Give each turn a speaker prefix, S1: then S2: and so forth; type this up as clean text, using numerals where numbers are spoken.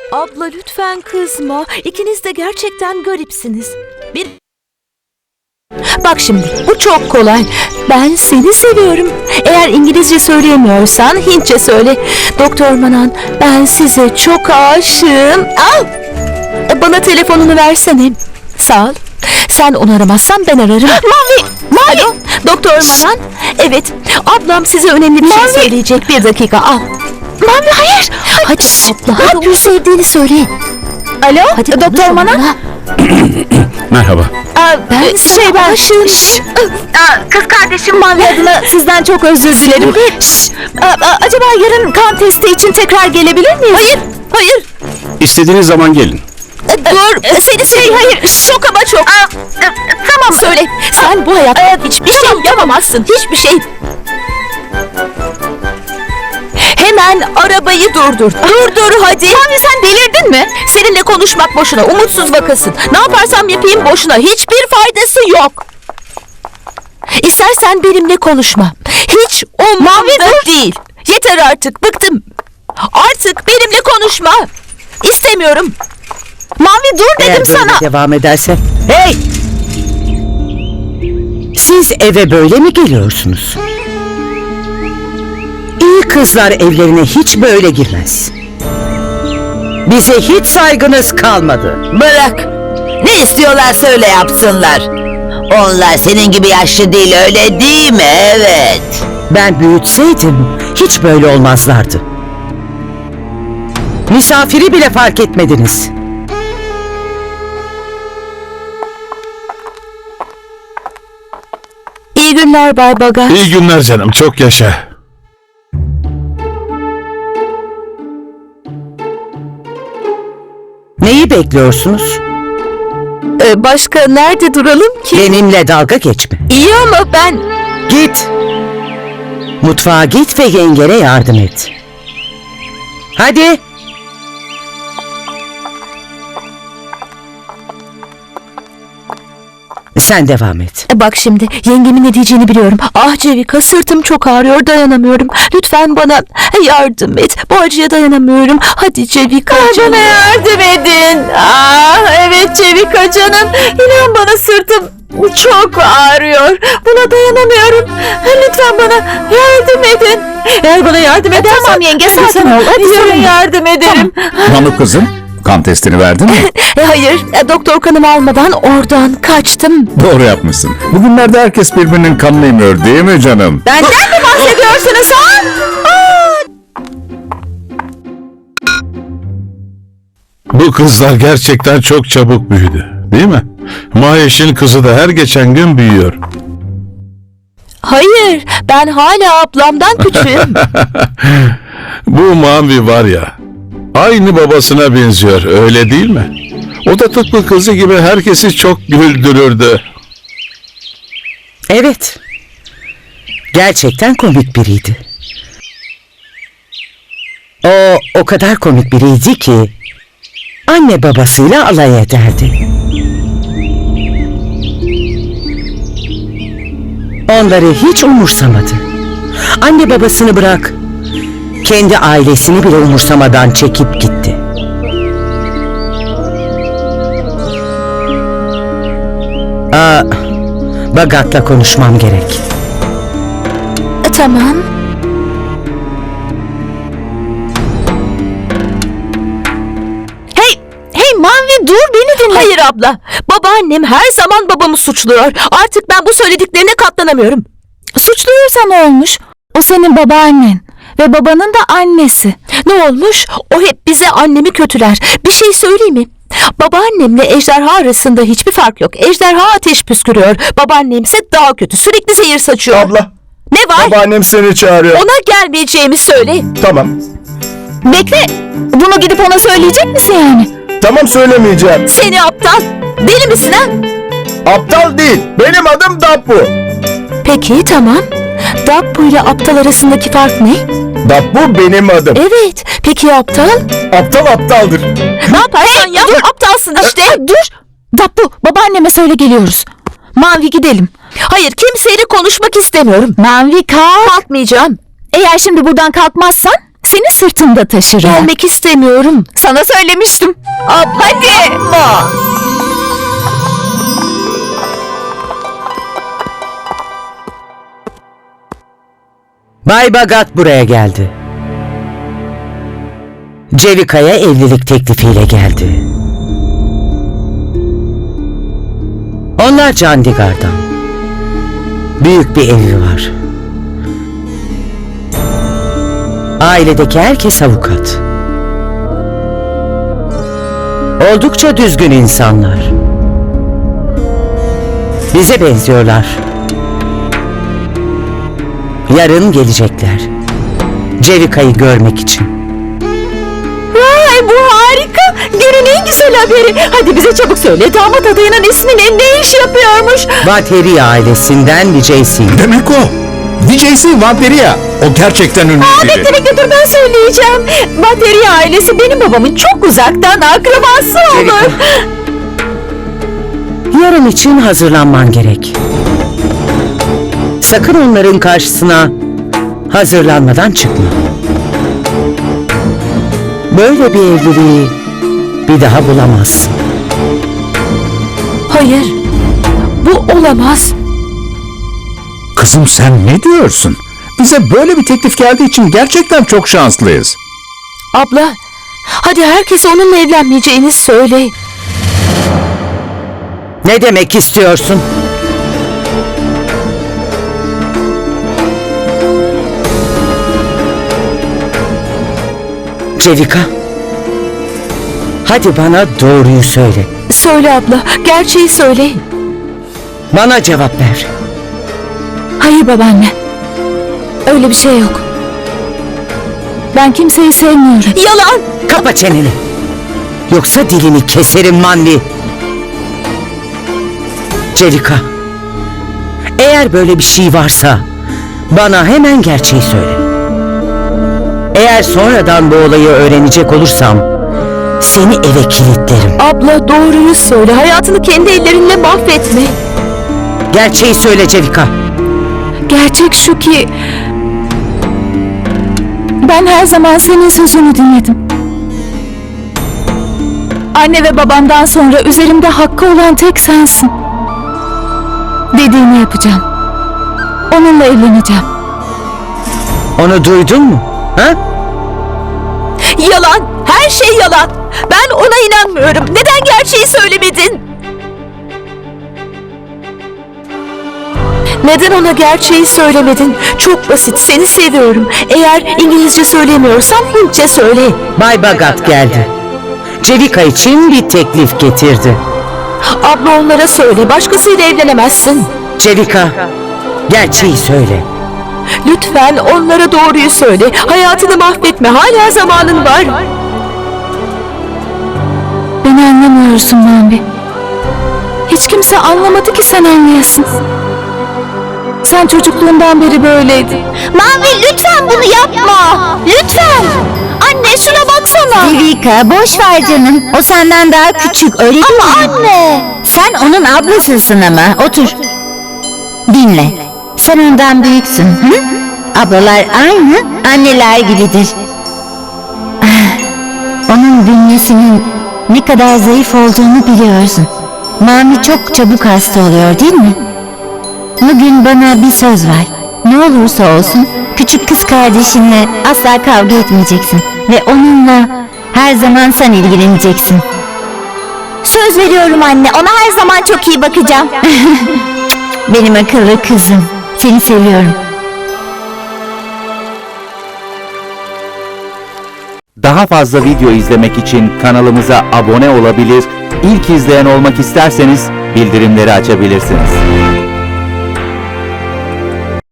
S1: Abla lütfen kızma. İkiniz de gerçekten garipsiniz. Bak şimdi, bu çok kolay. Ben seni seviyorum. Eğer İngilizce söyleyemiyorsan Hintçe söyle. Doktor Manan, ben size çok aşığım. Al! Bana telefonunu versene. Sağ ol. Sen onu aramazsan ben ararım. Mavi! Alo, Doktor Manan. Evet, ablam size önemli bir şey söyleyecek. Bir dakika, al. Mavi, hayır! Hadi abla, hadi onu sevdiğini söyle. Alo, hadi Doktor Manan.
S2: Merhaba.
S1: Ben aşığım.
S3: Kız kardeşim
S1: Mavi adına sizden çok özür dilerim. Acaba yarın kan testi için tekrar gelebilir miyiz? Hayır.
S2: İstediğiniz zaman gelin.
S1: Dur, seni hayır, çok ama çok. Tamam söyle, sen bu hayatta hiçbir şey yapamazsın, hiçbir şey. Hemen arabayı durdur. Durdur hadi. Mavi sen delirdin mi? Seninle konuşmak boşuna, umutsuz vakasın. Ne yaparsam yapayım boşuna, hiçbir faydası yok. İstersen benimle konuşma. Hiç umurumda değil. Yeter artık, bıktım. Artık benimle konuşma. İstemiyorum. Mavi dur dedim sana.
S4: Eğer böyle devam ederse... Hey! Siz eve böyle mi geliyorsunuz? İyi kızlar evlerine hiç böyle girmez. Bize hiç saygınız kalmadı.
S3: bırak. Ne istiyorlar söyle yapsınlar. Onlar senin gibi yaşlı değil öyle değil mi? Evet.
S4: Ben büyütseydim hiç böyle olmazlardı. Misafiri bile fark etmediniz.
S1: İyi günler Bay Bagaj.
S2: İyi günler canım, çok yaşa.
S4: Neyi bekliyorsunuz?
S1: Başka nerede duralım ki?
S4: Benimle dalga geçme.
S1: İyi ama ben...
S4: Git. Mutfağa git ve yengene yardım et. Hadi. Sen devam et.
S1: Bak şimdi, yengemin ne diyeceğini biliyorum. Ah Cevika, sırtım çok ağrıyor, dayanamıyorum. Lütfen bana yardım et. Bu acıya dayanamıyorum. Hadi Cevika canım. Bana yardım edin. Evet Cevika canım. İnan bana sırtım çok ağrıyor. Buna dayanamıyorum. Lütfen bana yardım edin. Eğer bana yardım edersen... Tamam yenge, sakin ol. Hadi yardım ederim.
S2: Manu kızım, kan testini verdin mi?
S1: Hayır, doktor kanımı almadan oradan kaçtım.
S2: Doğru yapmışsın. Bugünlerde herkes birbirinin kanını emiyor değil mi canım?
S1: Benden mi bahsediyorsunuz ha?
S2: Bu kızlar gerçekten çok çabuk büyüdü, değil mi? Maheş'in kızı da her geçen gün büyüyor.
S1: Hayır, ben hala ablamdan küçüğüm.
S2: Bu Mavi var ya, aynı babasına benziyor, öyle değil mi? O da tıpkı kızı gibi herkesi çok güldürürdü.
S4: Evet. Gerçekten komik biriydi. O kadar komik biriydi ki anne babasıyla alay ederdi. Onları hiç umursamadı. Anne babasını bırak, kendi ailesini bile umursamadan çekip gitti. Bagat'la konuşmam gerek.
S1: Tamam. Hey Mavi dur, beni dinle. Hayır abla, babaannem her zaman babamı suçluyor. Artık ben bu söylediklerine katlanamıyorum. Suçluyorsa ne olmuş? O senin babaannen ve babanın da annesi. Ne olmuş? O hep bize annemi kötüler. Bir şey söyleyeyim mi? Babaannemle ejderha arasında hiçbir fark yok. Ejderha ateş püskürüyor. Babaannemse daha kötü. Sürekli zehir saçıyor.
S5: Abla,
S1: Ne var?
S5: babaannem seni çağırıyor.
S1: Ona gelmeyeceğimi söyle.
S5: Tamam.
S1: Bekle. Bunu gidip ona söyleyecek misin yani?
S5: Tamam, söylemeyeceğim.
S1: Seni aptal. Deli misin ha?
S5: Aptal değil. Benim adım Dabbu.
S1: Peki tamam. Dabbu ile aptal arasındaki fark ne?
S5: Dabbu benim adım.
S1: Evet. Peki ya aptal?
S5: Aptal aptaldır.
S1: Ne yaparsan yap, aptalsın işte. Dur. Dabbu, babaanneme söyle geliyoruz. Mavi gidelim. Hayır, kimseyle konuşmak istemiyorum. Mavi kalk. Kalkmayacağım. Eğer şimdi buradan kalkmazsan seni sırtımda taşırım. Gelmek istemiyorum. Sana söylemiştim. Hadi.
S4: Bay Bagat buraya geldi. Cevika'ya evlilik teklifiyle geldi. Onlar Chandigarh'dan. Büyük bir evi var. Ailedeki herkes avukat. Oldukça düzgün insanlar. Bize benziyorlar. Yarın gelecekler. Cevika'yı görmek için.
S1: Vay, bu harika. Günün en güzel haberi. Hadi bize çabuk söyle. Damat adayının isminin ne iş yapıyormuş?
S4: Vateri ailesinden Vijay Singh.
S5: Demek o. VJC Vampiriya. O gerçekten ünlü biri.
S1: Bekle dur, ben söyleyeceğim. Vateri ailesi benim babamın çok uzaktan akrabası olur.
S4: Yarın için hazırlanman gerek. Sakın onların karşısına hazırlanmadan çıkma. Böyle bir evliliği bir daha bulamazsın.
S1: Hayır. Bu olamaz.
S5: Kızım sen ne diyorsun? Bize böyle bir teklif geldiği için gerçekten çok şanslıyız.
S1: Abla, hadi herkese onunla evlenmeyeceğini söyle.
S4: Ne demek istiyorsun? Cevika, hadi bana doğruyu söyle.
S1: Söyle abla, gerçeği söyle.
S4: Bana cevap ver.
S1: Hayır babaanne. Öyle bir şey yok. Ben kimseyi sevmiyorum. Yalan!
S4: Kapa çeneni. Yoksa dilini keserim Manvi. Cevika, eğer böyle bir şey varsa bana hemen gerçeği söyle. Eğer sonradan bu olayı öğrenecek olursam seni eve kilitlerim.
S1: Abla doğruyu söyle. Hayatını kendi ellerinle mahvetme.
S4: Gerçeği söyle Cevika.
S1: Gerçek şu ki... Ben her zaman senin sözünü dinledim. Anne ve babamdan sonra üzerimde hakkı olan tek sensin. Dediğini yapacağım. Onunla evleneceğim.
S4: Onu duydun mu? Ha?
S1: Yalan! Her şey yalan! Ben ona inanmıyorum. Neden gerçeği söylemedin? Neden ona gerçeği söylemedin? Çok basit. Seni seviyorum. Eğer İngilizce söylemiyorsan Hintçe söyle.
S4: Bay Bagat geldi. Cevika için bir teklif getirdi.
S1: Abla onlara söyle. Başkasıyla evlenemezsin.
S4: Cevika, gerçeği söyle.
S1: Lütfen onlara doğruyu söyle. Hayatını mahvetme. Hala zamanın var. Beni anlamıyorsun Manvi. Hiç kimse anlamadı ki sen anlayasın. Sen çocukluğundan beri böyleydin.
S6: Mavi lütfen bunu yapma. Lütfen. Anne şuna baksana. Devika boş ver canım. O senden daha küçük öyle değil mi? Ama anne. Sen onun ablasısın ama. Otur. Dinle. Sen ondan büyüksün. Hı? Ablalar aynı anneler gibidir. Onun bünyesinin ne kadar zayıf olduğunu biliyorsun. Mami çok çabuk hasta oluyor değil mi? Bugün bana bir söz ver. Ne olursa olsun küçük kız kardeşinle asla kavga etmeyeceksin. Ve onunla her zaman sen ilgileneceksin. Söz veriyorum anne, ona her zaman çok iyi bakacağım. Benim akıllı kızım. Seni seviyorum.
S7: Daha fazla video izlemek için kanalımıza abone olabilir, ilk izleyen olmak isterseniz bildirimleri açabilirsiniz.